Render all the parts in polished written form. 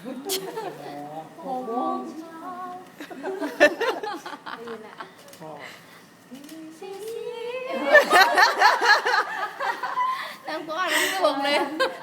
6 โมงเช้าตื่นแหละแล้วก็อ่านไม่ถูกเลย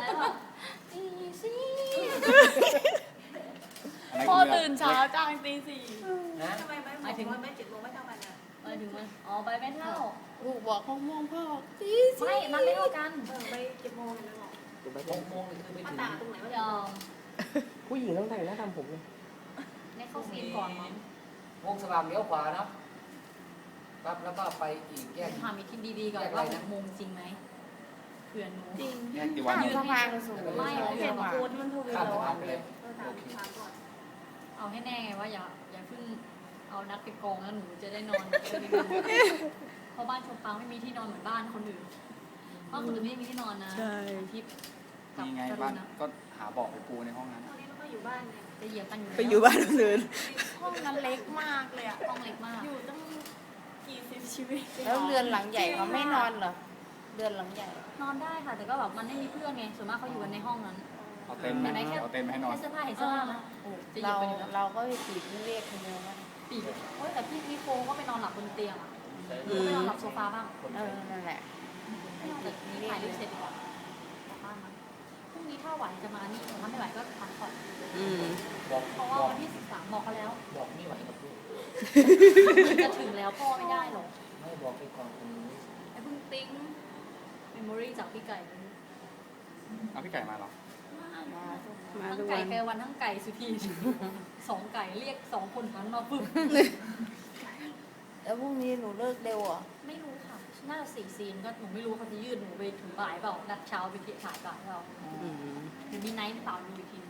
พ่อตื่นเช้าจ้างตี 4 ทำไมไม่ถึงว่าไม่7 โมงไม่เท่ากันอ่ะหมายถึงว่าอ๋อไปไม่เท่าลูกบอก6 โมงพ่อตี 4ไม่มันไม่เท่ากันไป7 โมงกันแล้วหรอ 6 โมงคือไม่มาถึงต่างตรงไหนวะยอมผู้หญิงต้องแต่งหน้าทำผมเลยในเข้าซีนก่อนมั้งวงสว่างเลี้ยวขวาเนาะปั๊บแล้วก็ไปอีกแยกถามอีกทีดีๆก่อนว่า6 โมงจริงไหมเผื่อหนูจริงแยกกี่วันยืนให้ไม่เห็นโค้ดมันถูกข้ามสะพานไปเลยถามก่อนเอาให้แน่ไงว่าอย่าเพิ่งเอานัดไปกองแล้วหนูจะได้นอนเพราะบ้านชมปังไม่มีที่นอนเหมือนบ้านคนอื่นบ้านคนอื่นไม่มีที่นอนนะทิพย์กับนี่ไงกรุบ้านณะก็หาเบาะไปปูในห้องนั้นตอนนี้เราก็อยู่บ้านเนี่ยจะเหยียบกันอยู่ไปอยู่บ้านคนอื่นห้องนั้นเล็กมากเลยอะห้องเล็กมากอยู่ตั้งกี่สิบชีวิตแล้วเรือนหลังใหญ่เขาไม่นอนเหรอเรือนหลังใหญ่นอนได้ค่ะแต่ก็แบบมันไม่มีเพื่อนไงส่วนมากเขาอยู่กันในห้องนั้นเอาเต็นท์ไหมเอาเต็นท์มาให้นอนแค่เสื้อผ้าเห็นเสื้อผ้านะโอ้จะเหยียเราบไปเลยนะเราก็ไปปีกเรียกคนเดียวว่าปีกโอ้ยแต่พี่โฟก็ไปนอนหลับบนเตียงอ่ะไปนอนหลับโซฟาบ้างนั่นแหละไม่เอาแต่นี่ถ่ายรูปเสร็จดีกว่ากลับบ้านมั้งพรุ่งนี้ถ้าไหวจะมานี่ถ้าไม่ไหวก็พักผ่อนบอกเพราะว่าวันที่13บอกเขาแล้วบอกไม่ไหวกับลูกจะถึงแล้วพ่อไม่ได้หรอกไม่บอกไปก่อนคนนี้ไอ้เพิ่งติ้งเมมโมรี่จากพี่ไก่เอาพี่ไก่มาเหรอมาทั้งดูไก่แกวันทั้งไก่สุธี2 ไก่เรียก2 คนหันมาปึ๊บแล้วพรุ่งนี้หนูเลิกเร็วเหรอไม่รู้ค่ะน่าจะ4 ซีนก็หนูไม่รู้เขาจะยืดหนูไปถึงบ่ายเปล่านัดเช้าไปถ่ายบ่ายเปล่าหรือมีไนท์เปล่าดูอีกที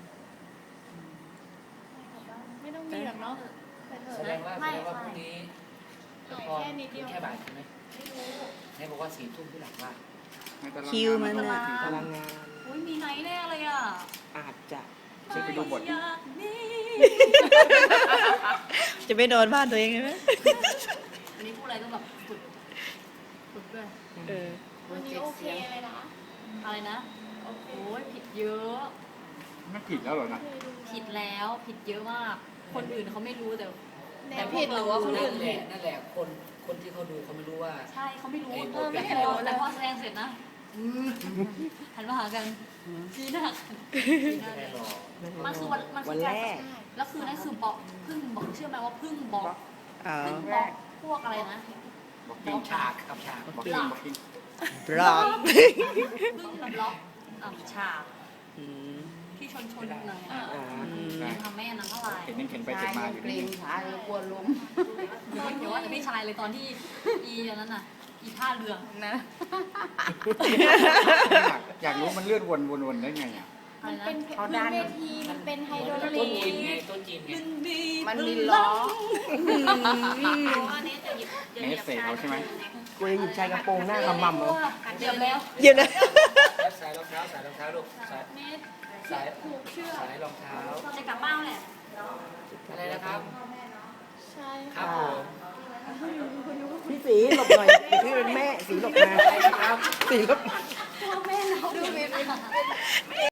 ไม่ต้องมีหรอกเนาะแสดงว่าพรุ่งนี้ละครแค่บ่ายใช่ไหมไม่รู้ให้บอกว่า4 ทุ่มที่หลังบ้านคิวมันน่ะพพลัลังงงานงานอุ้ยมีไนท์แน่เลยอ่ะอาจจะช่วยไปดูบทอยากมีจะไม่นอนบ้านตัวเองใช่ไหมอันนี้พูดอะไรต้องแบบฝึกด้วยวันนี้โอเคเลยนะอะไรนะโอ้ยผิดเยอะไม่ผิดแล้วเหรอนะผิดแล้วผิดเยอะมาก คนอื่นเขาไม่รู้แต่แต่ผิดหรือว่าคนอื่นผิดนั่นแหละคนที่เขาดูเขาไม่รู้ว่าใช่เขาไม่รู้ไม่ไม่เห็เห็นนแต่พอแสดงเสร็จนะหันมาหากันชี้หน้าชี้หน้าแค่รอมันคือมันวัคืนอแรการกแล้วคือนั่นคือบอกพึ่งบอกเชื่อไหมว่าพึ่งบอกอ๋อพึ่งบอกพวกอะไรนะบอกต้กิ้อง งฉากกับฉากบอกกิ้งบอกกิ้งบล็อกพึ่งกับล็อกฉากอืมที่ชนหน่อยอ่ายังทำแม่นั้นเท่าไหร่เห็นยังเข็นไปชาเข็นยมายังอยู่เกรนี่งชายยังกลัวล้มเดี๋ยวว่าแต่พี่ชายเลยตอนที่อีอันนั้นน่ะอีท่าเรือนะอยากรู้มันเลื่อนวนได้ไงอ่ะอะไรนะเขาดันมันเป็นไฮโดรต้ลินจีนไงกต้นจีนไงมันมีล้ออันนี้จะหยิบเนสเซเขาใช่ไหมกูยังหยิบชายกระโปรงหน้าขมำเลยเตรียมแล้วเยี่ยมเลยสายรองเท้าลูกสายเนสสายผูกเชือกสายรองเท้าจะกลับบ้านแหละอะไรนะครับใช่ครับผมพี่สีหลบหน่อยพี่เป็นแม่สีหลบมาอะไรนะครับสีหลบพ่อแม่เราดูเม